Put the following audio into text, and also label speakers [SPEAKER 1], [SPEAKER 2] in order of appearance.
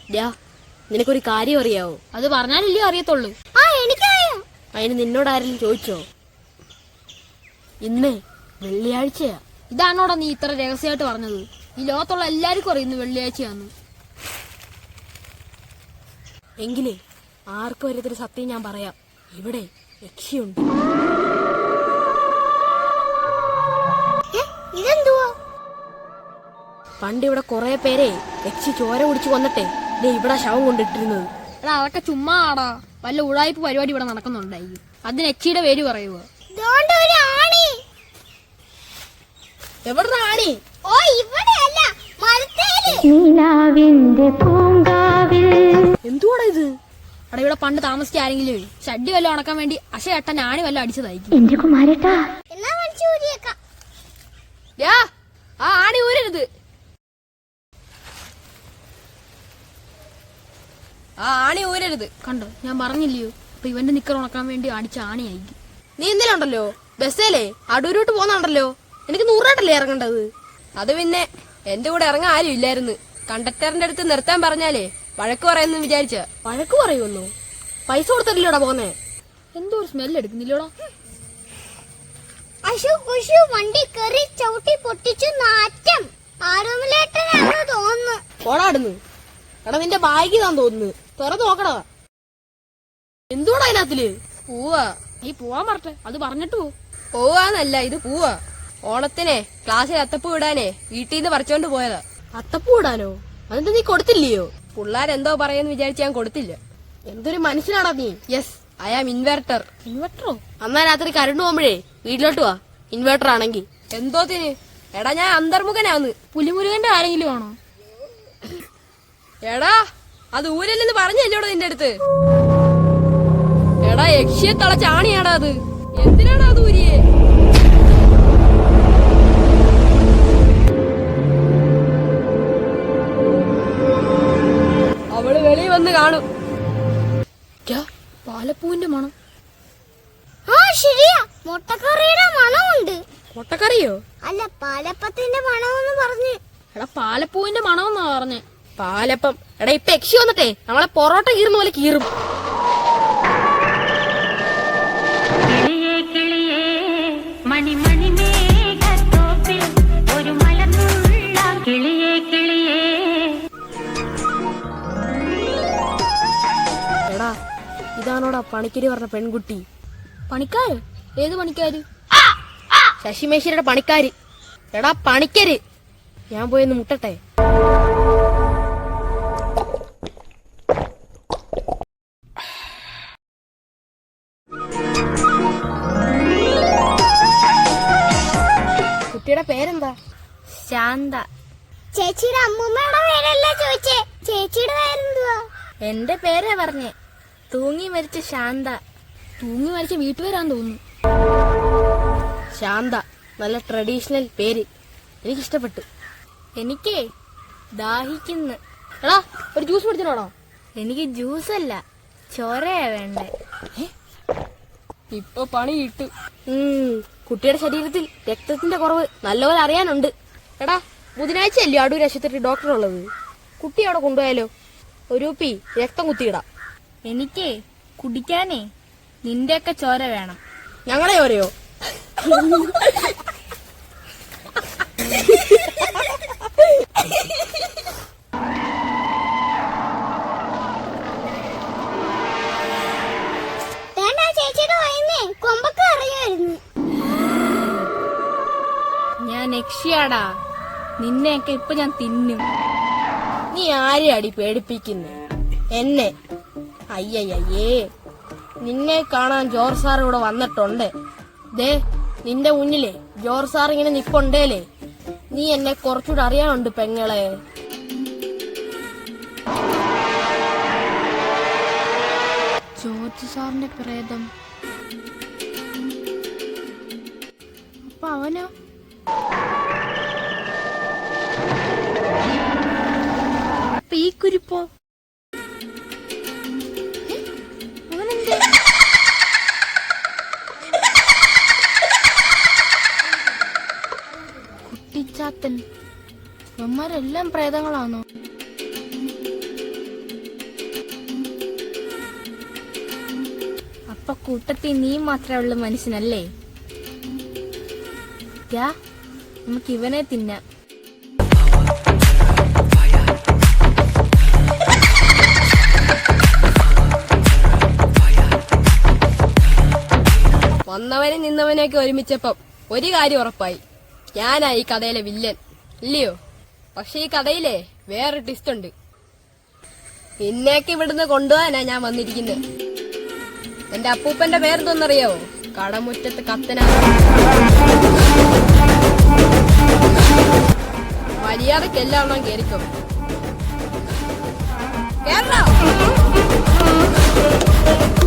[SPEAKER 1] നിനക്കൊരു കാര്യം അറിയാവോ?
[SPEAKER 2] അത് പറഞ്ഞാലല്ലേ അറിയത്തുള്ളൂ.
[SPEAKER 1] അതിന് നിന്നോട് ആരെങ്കിലും ചോദിച്ചോ? ഇന്ന് വെള്ളിയാഴ്ചയാ.
[SPEAKER 2] ഇതാണോടാ നീ ഇത്ര രഹസ്യമായിട്ട് പറഞ്ഞത്? ഈ ലോകത്തുള്ള എല്ലാവർക്കും അറിയുന്നു വെള്ളിയാഴ്ചയാന്ന്.
[SPEAKER 1] എങ്കിലേ ആർക്കും വരത്തൊരു സത്യം ഞാൻ പറയാം. ഇവിടെ യക്ഷിയുണ്ട്. പണ്ട് ഇവിടെ കൊറേ പേരെ യക്ഷി ചോര കുടിച്ചു കൊന്നിട്ടെ ഇവിടെ ശവം കൊണ്ടിട്ടിരുന്നത്.
[SPEAKER 2] എടാ അതൊക്കെ ചുമ്മാ ആടാ. വല്ല ഉടായ്പ പരിപാടി ഇവിടെ നടക്കുന്നുണ്ടായിരിക്കും. അതിന് യക്ഷിയുടെ പേര് പറയുക.
[SPEAKER 1] എവിടെ ആണി? എന്തുവാടാ ഇത്?
[SPEAKER 2] അവിടെ ഇവിടെ പണ്ട് താമസിച്ച ആരെങ്കിലും ഷഡ്ഡി വല്ലതും ഉണക്കാൻ വേണ്ടി അശയട്ടൻ ആണി വല്ലതും അടിച്ചതായിരിക്കും.
[SPEAKER 1] ആ ആണി ഊരരുത്. ആ ആണി ഊരരുത്.
[SPEAKER 2] കണ്ടോ, ഞാൻ പറഞ്ഞില്ലയോ? അപ്പൊ ഇവന്റെ നിക്കർ ഉണക്കാൻ വേണ്ടി അടിച്ച ആണിയായിരിക്കും.
[SPEAKER 1] നീ എന്തെങ്കിലും ഉണ്ടല്ലോ ബസ്സേലേ അടൂരോട്ട് പോന്നുണ്ടല്ലോ. എനിക്ക് 100 രൂപട്ടല്ലേ ഇറങ്ങേണ്ടത്. അത് പിന്നെ എന്റെ കൂടെ ഇറങ്ങാൻ ആരും ഇല്ലായിരുന്നു. കണ്ടക്ടറിന്റെ അടുത്ത് നിർത്താൻ പറഞ്ഞാലേ വഴക്ക് പറയുന്നു വിചാരിച്ച. വഴക്ക് പറയുമെന്നോ? പൈസ കൊടുത്തിട്ടില്ലോടാ പോന്നേ.
[SPEAKER 2] എന്തോ ഒരു സ്മെല്ല് എടുക്കുന്നില്ലോടാ.
[SPEAKER 3] വണ്ടി കയറി ചവിട്ടി പൊട്ടിച്ചു നാറ്റം. ആരോമലേട്ടനാണെന്ന് തോന്നുന്നു.
[SPEAKER 1] പോടാടുന്നു. എടാ നിന്റെ ബാഗ് താൻ തോന്നുന്നു. തുറന്നു നോക്കടാ. എന്തുവാടാ അതിനകത്തില്?
[SPEAKER 2] പോവാ. നീ പോവാൻ പറഞ്ഞെ, അത് പറഞ്ഞിട്ട്
[SPEAKER 1] പോവാന്നല്ല, ഇത് പോവാ. ഓണത്തിനെ ക്ലാസ്സിൽ അത്തപ്പൂ ഇടാനേ വീട്ടിൽ നിന്ന് പറിച്ചോണ്ട് പോയതാ. അത്തപ്പൂ ഇടാനോ? അതെന്താ നീ കൊടുത്തില്ലയോ? പിള്ളേരെന്തോ പറയുന്നു വിചാരിച്ച് ഞാൻ കൊടുത്തില്ല. എന്തൊരു മനുഷ്യനാടാ നീ. Yes, I am inverter.
[SPEAKER 2] ഇൻവെർട്ടറോ?
[SPEAKER 1] അന്നാ രാത്രി കരണ്ട് പോകുമ്പോഴേ വീട്ടിലോട്ട് വാ. ഇൻവെർട്ടർ ആണെങ്കിൽ. എന്തോത്തിന്? എടാ ഞാൻ അന്തർമുഖനാന്ന്.
[SPEAKER 2] പുലിമുരുകന്റെ ആരെങ്കിലും ആണോ?
[SPEAKER 1] എടാ അത് ഊരല്ലെന്ന് പറഞ്ഞല്ലോടാ നിന്റെ അടുത്ത്. എടാ യക്ഷിയെ തളച്ചാണിയാടാ അത്. എന്തിനാടാ അത് ഊരിയെ? അവള് വെളിയിൽ വന്ന് കാണും.
[SPEAKER 2] പാലപ്പൂവിന്റെ മണം.
[SPEAKER 3] ശരിയാ, മുട്ടക്കറിയുടെ മണമുണ്ട്.
[SPEAKER 1] മുട്ടക്കറിയോ?
[SPEAKER 3] അല്ല, പാലപ്പത്തിന്റെ മണമെന്ന് പറഞ്ഞു.
[SPEAKER 2] എടാ പാലപ്പൂവിന്റെ മണമെന്നാ പറഞ്ഞേ.
[SPEAKER 1] പാലപ്പം. എടാ ഇപ്പൊ യക്ഷി വന്നിട്ടേ നമ്മളെ പൊറോട്ട കീറുന്ന പോലെ കീറും. എടാ ഇതാണോടാ പണിക്കര് പറഞ്ഞ പെൺകുട്ടി.
[SPEAKER 2] പണിക്കാര്? ഏത് പണിക്കാര്?
[SPEAKER 1] ശശിമേശ്വരിയുടെ പണിക്കാര്. എടാ പണിക്കര്. ഞാൻ പോയൊന്ന് മുട്ടട്ടെ. കുട്ടിയുടെ പേരെന്താ?
[SPEAKER 3] ശാന്ത. ചേച്ചിയുടെ അമ്മൂമ്മയുടെ പേരല്ലേ ചോദിച്ചേ? ചേച്ചിയുടെ പേരെന്തുവാ?
[SPEAKER 1] എന്റെ പേരാ പറഞ്ഞേ. തൂങ്ങി മരിച്ച ശാന്ത.
[SPEAKER 2] തൂങ്ങി മരിച്ച വീട്ടുപേരാന്ന് തോന്നുന്നു.
[SPEAKER 1] ശാന്ത, നല്ല ട്രഡീഷണൽ പേര്. എനിക്കിഷ്ടപ്പെട്ടു.
[SPEAKER 3] എനിക്കേ ദാഹിക്കുന്നു.
[SPEAKER 1] എടാ ഒരു ജ്യൂസ് കുടിച്ചിട്ടുണ്ടോ?
[SPEAKER 3] എനിക്ക് ജ്യൂസല്ല, ചോരയാ വേണ്ടേ.
[SPEAKER 1] ഇപ്പൊ പണി കിട്ടു. കുട്ടിയുടെ ശരീരത്തിൽ രക്തത്തിന്റെ കുറവ് നല്ലപോലെ അറിയാനുണ്ട്. എടാ ബുധനാഴ്ച അല്ലേ അടൂർ ആശുപത്രി ഡോക്ടർ ഉള്ളത്? കുട്ടി അവിടെ കൊണ്ടുപോയാലോ? ഒരു കുപ്പി രക്തം കുത്തിയിടാം.
[SPEAKER 3] എനിക്കേ കുടിക്കാനേ നിന്റെയൊക്കെ ചോര വേണം.
[SPEAKER 1] ഞങ്ങളെ ചോരയോ?
[SPEAKER 3] കൊമ്പൊക്കെ അറിയായിരുന്നു.
[SPEAKER 1] ഞാൻ യക്ഷിയാടാ. നിന്നെയൊക്കെ ഇപ്പൊ ഞാൻ തിന്നും. നീ ആരെയാടി പേടിപ്പിക്കുന്നേ? എന്നെ? അയ്യയ്യേ, നിന്നെ കാണാൻ ജോർജ് സാർ ഇവിടെ വന്നിട്ടുണ്ട്. ദേ നിന്റെ മുന്നിലേ ജോർജ് സാർ ഇങ്ങനെ നിപ്പുണ്ടേലേ. നീ എന്നെ കുറച്ചുകൂടെ അറിയാനുണ്ട് പെങ്ങളെ.
[SPEAKER 2] ജോർജ് സാറിന്റെ പ്രേതം. അപ്പൊ അവനോ? അപ്പൊ ഈ കുരിപ്പോ? അവനെന്താ? കുട്ടിച്ചാത്തൻ. ഇവന്മാരെല്ലാം പ്രേതങ്ങളാണോ?
[SPEAKER 3] അപ്പൊ കൂട്ടത്തിൽ നീ മാത്രമേ ഉള്ളു മനുഷ്യനല്ലേ? നമുക്ക് ഇവനെ തിന്നാം.
[SPEAKER 1] വന്നവനും നിന്നവനെയൊക്കെ ഒരുമിച്ചപ്പം ഒരു കാര്യം ഉറപ്പായി, ഞാനാ ഈ കഥയിലെ വില്ലൻ, ഇല്ലയോ? പക്ഷെ ഈ കഥയിലെ വേറെ ട്വിസ്റ്റ് ഉണ്ട്. നിന്നെയൊക്കെ ഇവിടുന്ന് കൊണ്ടുപോകാനാ ഞാൻ വന്നിരിക്കുന്നത്. എന്റെ അപ്പൂപ്പന്റെ പേരെന്തോന്നറിയാവോ? കടമുറ്റത്ത് കത്തന. മര്യാദക്ക് എല്ലാം കേറിക്കോ. കേരള